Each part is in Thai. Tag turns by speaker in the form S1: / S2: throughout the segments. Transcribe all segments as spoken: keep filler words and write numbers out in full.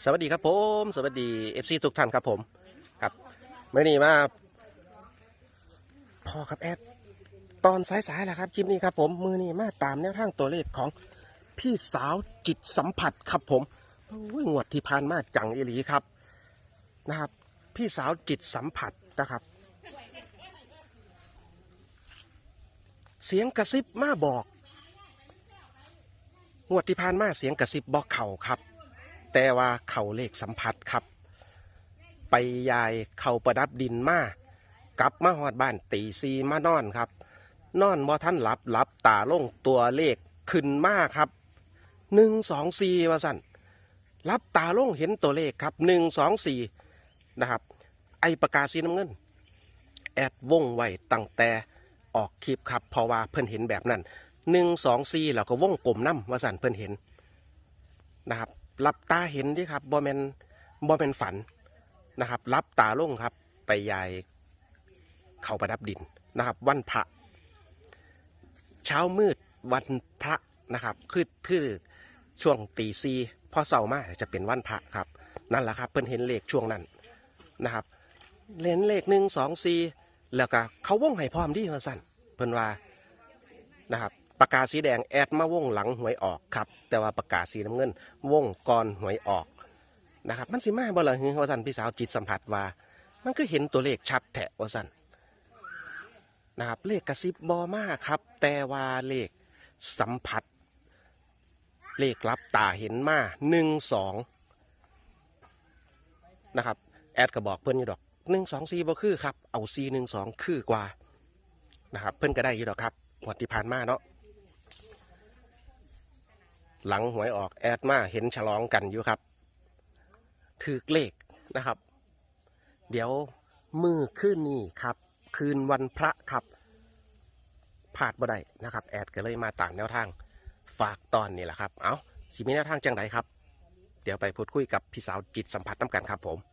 S1: สวัสดีครับผมสวัสดีเอฟซีทุกท่านครับผมครับเมื่อนี้มาพอครับแอดตอนสายๆแหละครับคลิปนี้ครับผมมือนี้มาตามแนวทางตัวเลขของพี่สาวจิตสัมผัสครับผมโอ้ยงวดที่ผ่านมาจังอีหลีครับนะครับพี่สาวจิตสัมผัสนะครับเสียงกระซิบมาบอกงวดที่ผ่านมาเสียงกระซิบบอกเข่าครับแต่ว่าเข่าเลขสัมผัสครับไปยายเข่าประดับดินมากลับมาหอดบ้านตีซีมานอนครับนอนบ่ท่านหลับหลับตาลงตัวเลขขึ้นมาครับหนึ่งสองสี่ว่าสั่นรับตาลงเห็นตัวเลขครับหนึ่งสองสี่นะครับไอประกาศสีน้ำเงินแอดวงไว้ตั้งแต่ออกคลิปครับเพราะว่าเพิ่นเห็นแบบนั้นหนึ่งสองสี่แล้วก็วงกลมน้ำว่าสั่นเพิ่นเห็นนะครับรับตาเห็นดิครับบ่แมนบ่แมนฝันนะครับรับตาลงครับไปยายเข้าประดับดินนะครับวันพระเช้ามืดวันพระนะครับคือคือช่วงตีซีพอเสาร์มาจะเป็นวันพระครับนั่นแหละครับเพิ่นเห็นเลขช่วงนั้นนะครับเห็นเลขหนึ่งสองสี่แล้วก็เขาวงให้พร้อมดีว่าสั่นเพิ่นว่านะครับปากกาสีแดงแอดมาวงหลังหวยออกครับแต่ว่าปากกาสีน้ำเงินวงก่อนหวยออกนะครับมันสิมาบ่ล่ะว่าสั่นพี่สาวจิตสัมผัสว่ามันก็เห็นตัวเลขชัดแท้ว่าสั่นนะครับเลขกระซิบบอมากครับแต่ว่าเลขสัมผัสเลขลับตาเห็นมาหนึ่งสองนะครับแอดก็บอกเพื่อนอยู่ดอกหนึ่งสองสี่บ่คือครับเอาสี่หนึ่งสองคือกว่านะครับเพื่อนก็ได้อยู่ดอกครับงวดที่ผ่านมาเนาะหลังหวยออกแอดมาเห็นฉลองกันอยู่ครับถือเลขนะครับเดี๋ยวมือคืนนี้ครับคืนวันพระครับพลาดบ่ได้นะครับแอดก็เลยมาตามแนวทางฝากตอนนี่แหละครับเอาสิมีแนวทางจังไดครับเดี๋ยวไปพูดคุยกับพี่สาวจิตสัมผัสน้ำกันครับผม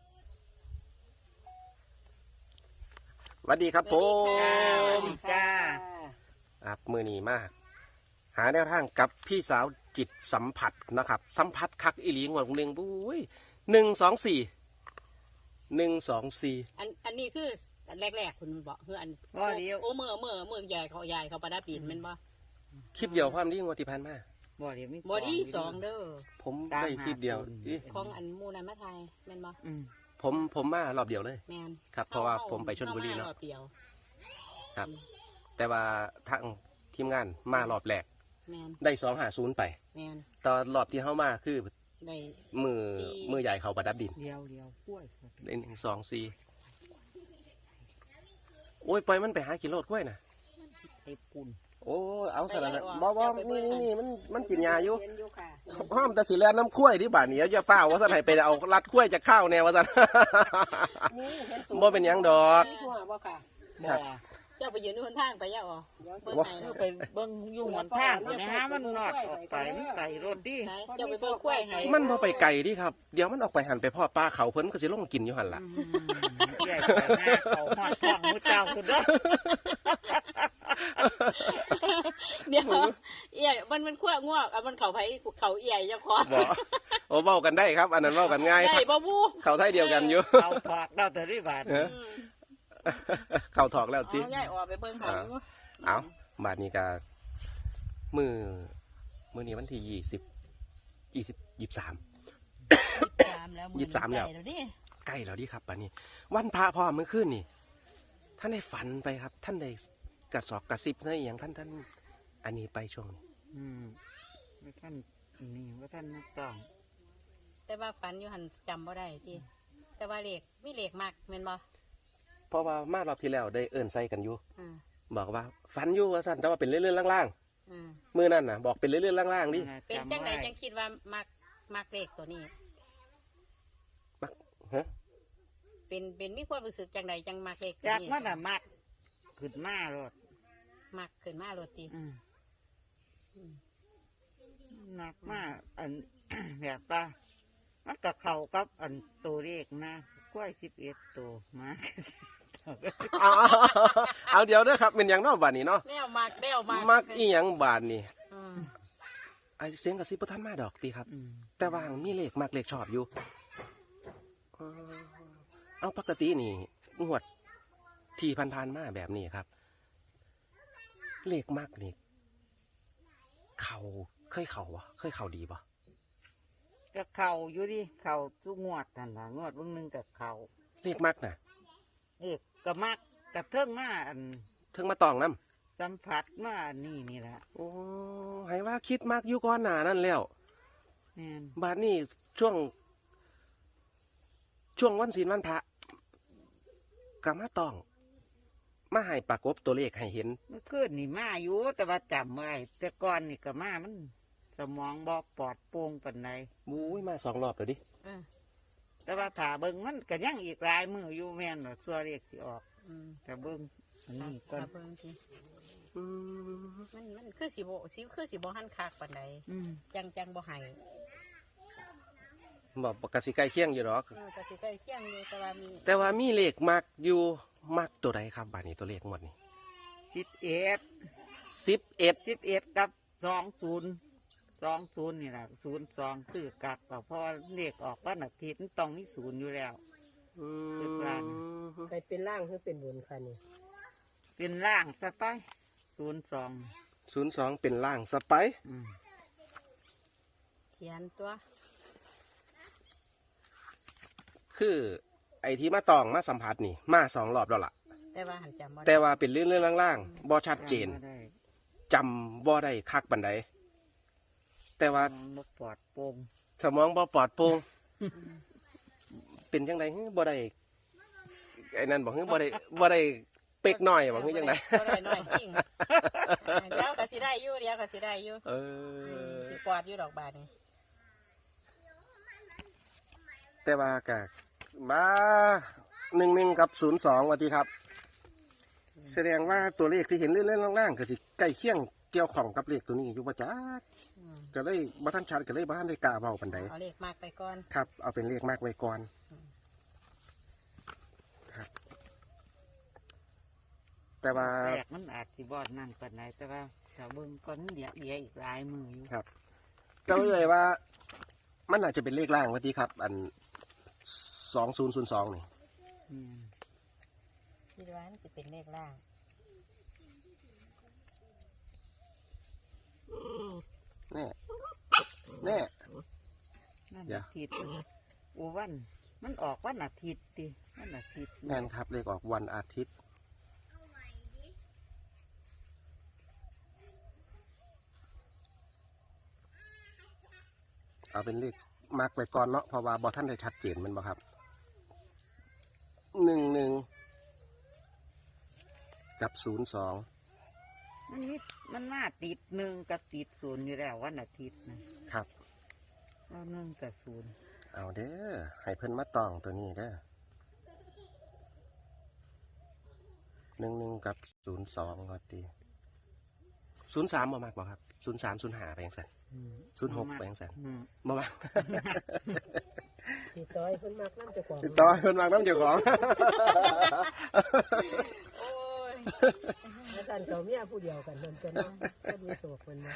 S1: สวัสดีครับผม
S2: จ้า
S1: ครับมือนี้มากหาแนวทางกับพี่สาวจิตสัมผัสนะครับสัมผัสคักอีหลีงวดหนึ่งบุ้ยหนึ่งสองสี่หนึ่งสองสี่
S3: อันอันนี้คืออันแรกๆคุณบอกคืออัน
S2: ว่าเดียว
S3: โอ้เมื่อเมื่อเมื่อใหญ่เขาใหญ่เขาประดับดินแมันบ่
S1: คลิปเดียวความนี้งวดที่ผ่านมา
S2: บ่เดียวมี
S3: บอดี้สองเด้อ
S1: ผมได้คลิปเดียวอิ
S3: ของอันมูนันมาไทยแม่นบ่
S2: อืม
S1: ผมผมมารอบเดียวเลย
S3: แม่น
S1: ครับเพราะว่าผมไปชลบุรีเนาะ
S3: อมรอบเดียว
S1: ครับ แต่ว่าทางทีมงานมารอบแรก
S3: แม่น
S1: ได้สองหาศูนย์ไป
S3: แม่น
S1: ตอนรอบที่เข้ามาคือ
S3: ได้
S1: มือมือใหญ่เขาประดับดิน
S2: เดียวเดียวกล้วย
S1: ได้หนึ่งสองสี่โอ้ยปล่อยมันไปหากินโลดกล้วยนะ
S2: ไอ้ปุ่น
S1: โอ้เอาสารนะบ่บ่นี่นี่นี่มันมันกินยาอยู่
S3: เห็นอยู่ค่ะ
S1: ห้ามแต่สิแลน้ำกล้วยที่บ้านนี้อย่าฟ้าวว่าท่านให้ไปเอารัดกล้วยจากข้าวแนวว่าท่าน
S3: นี่เห็นตัว
S1: บ่เป็นหยังดอก
S3: มีหัวบ่ค่ะ
S2: บ่
S1: ครับ
S3: เจ้าไปยืนอยู่บนทางไปย่าอ๋อเบิ่ง
S1: บ่
S3: ไหน
S2: เอ
S3: เนาะ
S2: อไปเบิ่งอยู่หนทางนะฮะมันนอดออกไปมันไก่รถดิ
S3: ไหนเจ้าไปเบิ่งกล้วยให้
S1: มันบ่ไปไกลดิครับเดี๋ยวมันออกไปหันไปพ่อป้าเขาเพิ่นก็สิลงกินอยู่หันล่ะ
S2: อืมใหญ่ไปหน้าเขาหอดท้องมือเจ้าคุณเด้อ
S3: เดี๋ยวเอี่ยมันมันขั้วงวกอ่ะมันเขาไผเขาเอี่ยเจ้าของ
S1: บ่โอ้เว้ากันได้ครับ อันนั้นเว้ากันง่าย
S3: ได้บ่บู
S1: เขาไทยเดียวกันอยู่
S2: เอาถอกเราแต่ที่บ้าน
S1: เออ เขาถอกแล้วติ
S3: เอาใหญ่ออกไปเบิ่งหาอยู่
S1: เอาบาทนี้ก็มือมือนี้วันที่ยี่สิบยี่สิบยี่สิบสาม
S3: สามแล้ว
S1: ยี่สิบสามแล้ว
S3: ใกดิ
S1: ใกล้แล้วดิครับป่านนี้ วันพระพ่อเมื่อคืนนี่ท่านได้ฝันไปครับ ท่านได้กระสอบกระซิบในอหย่างท่านท่านอันนี้ไปช่วงนี้
S2: อืมไม่ท่านนี่ว่าท่านนักต้อง
S3: แต่ว่าฝันอยู่หันจำบ่ได้ที่แต่ว่าเลขมีเลขมากแม่นบ่
S1: เพราะว่ามารอบที่แล้วได้เอิ่นใส่กันอยู่
S3: อ่า
S1: บอกว่าฝันอยู่ว่าสั่นแต่ว่าเป็นเรื่อยๆล่าง
S3: อ่า
S1: ๆมือนั่นน่ะบอกเป็นเรื่อยๆล่างๆดิ
S3: เป็นจังใดจังคิดว่ามักมักเลขตัวนี้
S1: มักฮะ
S3: เป็นเป็นมีความรู้สึกจังใดจังมักเลขตัว
S2: จาก
S3: นี้
S2: มันน่ะมักขึ้นมารถ
S3: มักขึ้นมาโรตี
S2: อืมหนักมากอัน แบบว่ามันกับเขากับอันตัวเลขนะกล้วยสิบเอ็ดตัวมา
S1: เอาเอาเอาเดี๋ยวเด้อครับเป็นอย่างเนอกบานนี้เนาะ
S3: แนวมักแนวมัก
S1: มักอีหยังบานนี่
S3: อืม
S1: ไอเสียงกระซิบบ่ทันมาดอกตีครับ
S2: อืม
S1: แต่ว่ามีเลขมักเลขชอบอยู่เอาปกตินี่งวดที่ผ่านๆมาแบบนี้ครับ เลขมากนี่เขาเคยเข่าวะเคยเข่าดีปะ
S2: ก็เข่าอยู่ดิเข่าทุกงวดนั่นล่ะงวดเบางหนึงกับเข่า
S1: เลขมากนะ
S2: เอกก็มักกับเทิงมาอัน
S1: ถึงมาตองน้
S2: สัมผัสมาอันนี่นี่แหละ
S1: ำโอ้ให้ว่าคิดมากอยู่ก่อนหนานั่นแล้ว
S2: แม่น
S1: บาดนี้ช่วง ช่วงวันศีลวันพระกามาตอง มาให้ปรากบตัวเลขให้เห็น
S2: เมื่อคืนนี่มาอยู่แต่ว่าจำไว้แต่ก่อนนี่ก็มามัน สมองบ่ปลอดโปร่งปานใด
S1: มุ้ยมาสองรอบแล้วดิ
S3: เออ
S2: แต่ว่าถ้าเบิ่งมันก็ยังอีกหลายมืออยู่แม่นว่าตัวเลขสิออก
S3: อืม
S2: แต่เบิ่งอันนี้ก่อน
S3: ถ้าเบิ่งที
S1: อืม
S3: มันมันคือสิบ่สิคือสิบ่หันคักปานใด
S2: อืม
S3: จังจังบ่ให้
S1: บอกกสิใกล้เคียงอยู่หรอก
S3: เออก็สิใกล้เคียงอยู่แต่ว่ามี
S1: แต่ว่ามีเลขมักอยู่มักตัวใดครับบาดนี้ตัวเลขหมดนี่
S2: สิบเอ็ด
S1: สิบเอ็ด
S2: สิบเอ็ดกับสองศูนย์สองศูนย์นี่แหละศูนย์สองคือกักก็เพราะว่าเลขออกวันอาทิตย์มันต้องมีศูนย์อยู่แล้ว เลขล่าง
S4: ไปเป็นร่างหรือเป็นบนค่ะนี่
S2: เป็นล่างซะไปศูนย์สอง
S1: ศูนย์สองเป็นล่างสไปร์
S2: อืม
S3: เขียนตัว
S1: คือไอ้ที่มาตองมาสัมผัสนี่ มาสองรอบแล้วล่ะ
S3: แต่ว่าหันจำบ่ได้
S1: แต่ว่าเป็นเรื่องเรื่องล่างๆบ่ชัดเจน
S2: บ่ได้
S1: จำบ่ได้คักบันไดแต่ว่า
S2: มันบ่ปลอดโปร่ง
S1: สมองบ่ปลอดโปร่งเป็นจังไดฮึบ่ได้ไอ้นั่นบอกฮึบ่ได้บ่ได้เป๊กน้อยบอกฮึจังได
S3: บ่ได้น้อยจริงเดี๋ยวก็สิได้อยู่เดี๋ยวก็สิได้อยู่
S1: เออ
S3: สิปลอดอยู่ดอกบาดนี่
S1: แต่ว่าก็มาหนึ่งหนึ่งกับศูนย์สองวันที่ครับ แสดงว่าตัวเลขที่เห็นเล่นๆล่างๆก็สิใกล้เคียงเกี่ยวข้องกับเลขตัวนี้อยู่ประจัก
S3: อืม
S1: ก็เลยบ่ทันชัดก็เลยบ่ทันได้กล้าเว้าปานใด
S3: เอาเลขมากไปก่อน
S1: ครับ เอาเป็นเลขมากไว้ก่อนครับ แต่ว่า
S2: แรกมันอาจสิบอดนั่นปานใดแต่ว่าถ้าเบิ่งก่อนเดี๋ยวเดี๋ยวอีกหลายมืออยู่
S1: ครับก็เลยว่า มันอาจจะเป็นเลขล่างวันที่ครับ อันสองศูนย์ศูนย์สองนี่
S2: อืม
S3: คิดว่ามันสิเป็นเลขล่าง
S1: แน่แน่
S2: นั่น
S1: เดี๋ยว
S2: อาทิตย์โอ้วัน มันออกวันอาทิตย์ติวันอาทิตย์
S1: แม่นครับ เลขออกวันอาทิตย์ เอาเป็นเลขมาร์กไว้ก่อนเนาะเพราะว่าบอท่านได้ชัดเจนแมันบ่ครับหนึ่งหนึ่งกับศูนย์สอง
S2: มันมีมันมาติดหนึ่งกับติดศูนย์อยู่แล้ววันอาทิตย์นะครับ เอาหนึ่งกับศูนย์
S1: เอาเด้อให้เพิ่นมาตองตัวนี้เด้อหนึ่งหนึ่งกับศูนย์สองก็ดีศูนย์สามบ่มากบ่ครับศูนย์สามศูนย์ห้าไปยังไง
S2: อืม
S1: ศูนย์หกไปยังไง
S2: อืม
S1: บ่มาก
S4: สีต้อยเพิ่นมากน้ำเจ้าของ
S1: ติดต่อให้เพิ่นมากน้ำเจ้าของ
S3: โอ้ย
S4: แล้วสันเขาเมียผู้เดียวกันมันเป็นเนาะก็มีโศกคนมา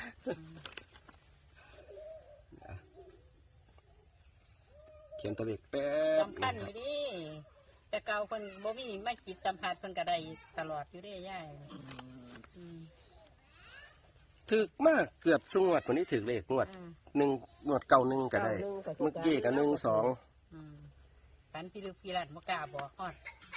S1: เขียนตัวเลขแป๊บ
S3: สำคัญอยู่ดิแต่เก่าเพิ่นบ่มีมาจิตสัมผัสเพิ่นก็ได้ตลอดอยู่เด้ย่ายอืม
S1: ถึกมากเกือบสุงวดวันนี้ถึกเลขงวด
S3: อืม
S1: หนึ่งงวดเก่าหนึ่งก็ได้ เมื่อกี้ก็หนึ่งสอง
S3: อืมฝันพี่ลึกพี่ลัดบ่กล้าบอกฮอด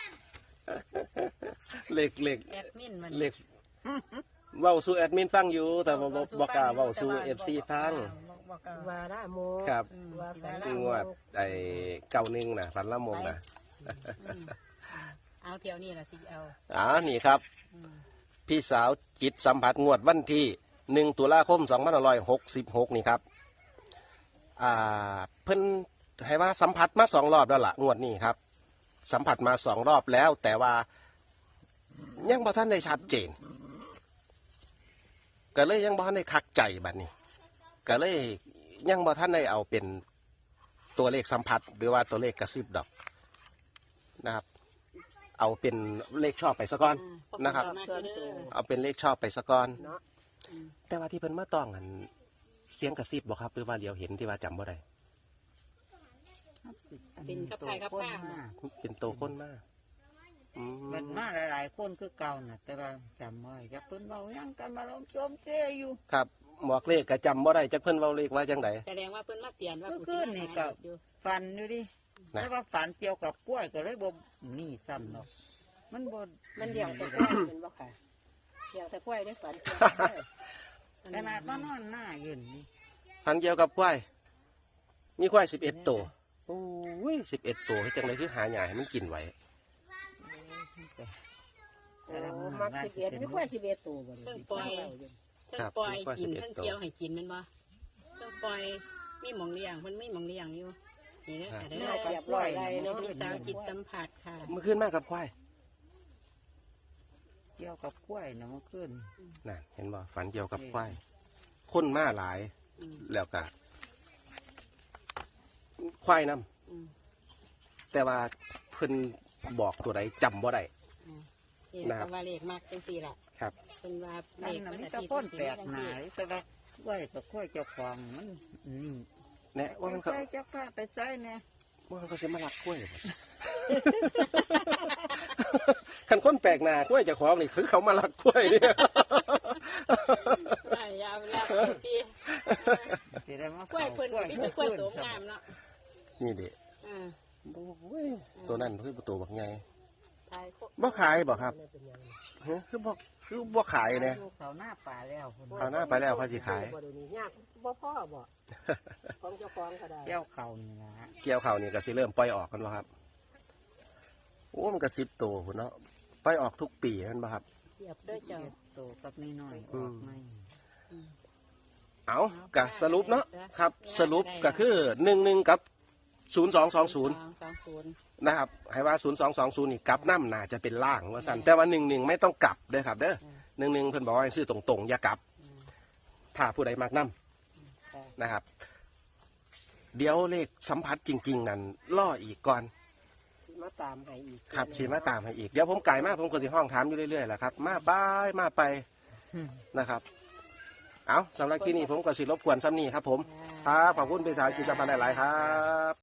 S1: เลขเลข
S3: แอดมินมัน
S1: เลขเว้าสู่แอดมินฟังอยู่ แต่บ่บ่บ่กล้าเว้าสู่เอฟซีฟัง
S3: บ่บ่กล้า
S4: วาระโม
S1: ครับ
S3: อืม
S4: ว่าฝัน
S1: งวดไอ้เก่าหนึ่งนะฝันละมงนะ
S3: อืมเอาเที่ยวนี้ล่ะสิเอา
S1: อ๋อนี่ครับ
S3: อืม
S1: พี่สาวจิตสัมผัสงวดวันที่หนึ่งตุลาคมสองพันห้าร้อยหกสิบหกนี่ครับอ่าเพิ่นให้ว่าสัมผัสมาสองรอบแล้วล่ะงวดนี้ครับ สัมผัสมาสองรอบแล้ว แต่ว่ายังบ่ท่านได้ชัดเจน ก็เลยยังบ่ท่านได้คักใจบัดนี้ ก็เลยยังบ่ท่านได้เอาเป็นตัวเลขสัมผัส หรือว่าตัวเลขกระซิบดอกนะครับ เอาเป็นเลขชอบไปซะก่อน นะครับ เอาเป็นเลขชอบไปซะก่อน
S4: เนาะ
S1: แต่ว่าที่เพิ่นมาต้องอันเสียงกระซิบบ่ครับหรือว่าเดียวเห็นที่ว่าจำบ่ได้
S2: ต
S3: เป็นกับไผ่กับ
S2: คน
S3: ข้าว
S2: มา
S1: เป็นโตคนมากอื
S2: มันมาหลายๆคนคือเก่าน่ะ แต่ว่าจำไว้จะเพิ่นเว้าหยังกันมาลมโจมเจอยู่
S1: ครับหมวกเลขก็จำบ่ได้จักเพิ่นเว้าเลขว่าจังได
S3: แสดงว่าเพิ่นมาเตือนว่า
S2: เมื่อ
S3: ผู้
S2: คื
S3: สิ
S2: น
S3: มา
S2: นี่
S3: หา
S2: ก็
S3: เด็กอยู่
S2: ฝันอยู่ดิ
S1: นะ
S2: แต่ว่าฝันเกี่ยวกับกล้วยก็เลยบ่นี่ซ้ำเนาะมันบ่
S4: มันเดี่ยวแต่กล้วยเป็นบ่ค่ะเดี่ยวแต่กล้วยได้ฝันเกี่ยว
S2: ขนาดมานอนหน้ายืนนี่
S1: พันเกี่ยวกับควายมีควายสิบเอ็ดตัวโอ้ยสิบเอ็ดตัวเฮ็ดจังไดคือหาหญ้าให้มันกินไว้
S4: โอ้มักสิบเอ็ดไม่ค่อยสิบเอ็ดตัวบ่
S3: เพิ่งปล่อยเพิ่งปล่อยกินเพิ่งเกี่ยวให้กินแมันบ่เพิ่งปล่อยมีหมองเลี้ยงเพิ่นมีหมองเลี้ยงอยู่นี่เด้อค่ะเด้
S4: น่า
S3: อ
S4: เกียบร้อยไรเนาะ
S3: มีสาวจิตสัมผัสค่ะ
S1: เมื่อคืนมากับควาย
S2: เกี่ยวกับกล้วยนะเมื่อคืน
S1: นั่นเห็นบ่ฝันเกี่ยวกับควายคนมาหลาย
S3: อืม
S1: แล้วก็ควายนํ
S3: อืม
S1: แต่ว่าเพิ่นบอกตัวใดจำบ่ได้
S3: นี่
S1: นะครับ
S3: ก็ว่าเลขมากจังซี่ล่ะ
S1: ครับ
S3: เพิ่นว่าเล
S2: นั่น
S3: ข
S2: น่ะ
S3: มัน
S2: มี
S3: อา
S2: แต่
S3: ทิตย์
S2: คน
S3: สิ
S2: แปล
S3: มี
S2: ก
S3: จัง
S2: หนา
S3: ซี่
S2: แต่ว่ากล้วยกับกล้วยเจ้าของมันนี่
S1: แน่ว่ามัน
S2: ไป
S1: ก็
S2: ใส่เจ้าข้าไปใส่เนี่ย
S1: ว่ามันก็สิมาลักกล้วยบ่ คันคนแปลกหน้ากล้วยเจ้าของนี่คือเขามาลักกล้วยเนี่ย
S3: ได้ยาวแล้วพี่
S2: สิได้มาก
S3: ล้วยเพิ่นมีแต่กล้วยตัวงามเนาะ
S1: นี่เด็
S3: อ่า
S1: โอ้ยตัวนั้นคือประตูบักใหญ่
S4: ทายโค
S1: บ่ขายบ่ครับฮะคือบ่คือบ่ขายเนี่ย
S2: เขาหน้าป่าแล้วคน
S1: เอาหน้าไปแล้วเขาสิขาย
S4: บ่ดูนี่ยากบ่พ่อบ่ของเจ้าของก็ได้
S2: เจ้าเขานี่ละ
S1: เกี่ยวเขานี่ก็สิเริ่มปล่อยออกกันบ่ครับโอ้มันก็สิบตัวพุ่นเนาะปล่อยออกทุกปีแม่นบ่ครับ
S4: เกียบด้วยเจ้า
S2: โตกับนี่น้อยๆออกไม่
S1: เอาก็สรุปเนาะครับ สรุปก็คือหนึ่งหนึ่งกับศูนย์สองสองศูนย์
S3: สองสองศูนย์
S1: นะครับให้ว่าศูนย์สองสองศูนย์นี่กลับน้ำน่าจะเป็นล่างว่าสั่นแต่ว่าหนึ่งหนึ่งไม่ต้องกลับเด้อครับเด้อหนึ่งหนึ่งเพิ่นบอกว่าให้ซื้อตรงๆอย่ากลับ ถ้าผู้ใดมักน้ำนะครับ เดี๋ยวเลขสัมผัสจริง ๆ นั่นล่ออีกก่อน
S4: สิมาตามให้อีก
S1: ครับชีมาตามให้อีกเดี๋ยวผมไก่มากผมก็สิห้องถามอยู่เรื่อยๆแหละครับ มาบายมาไปนะครับ เอาสำหรับที่นี่ผมก็สิรบกวนซ้ำนี่ครับผมครับขอบคุณเป็นสาวกิจสัมพันธ์หลายๆครับ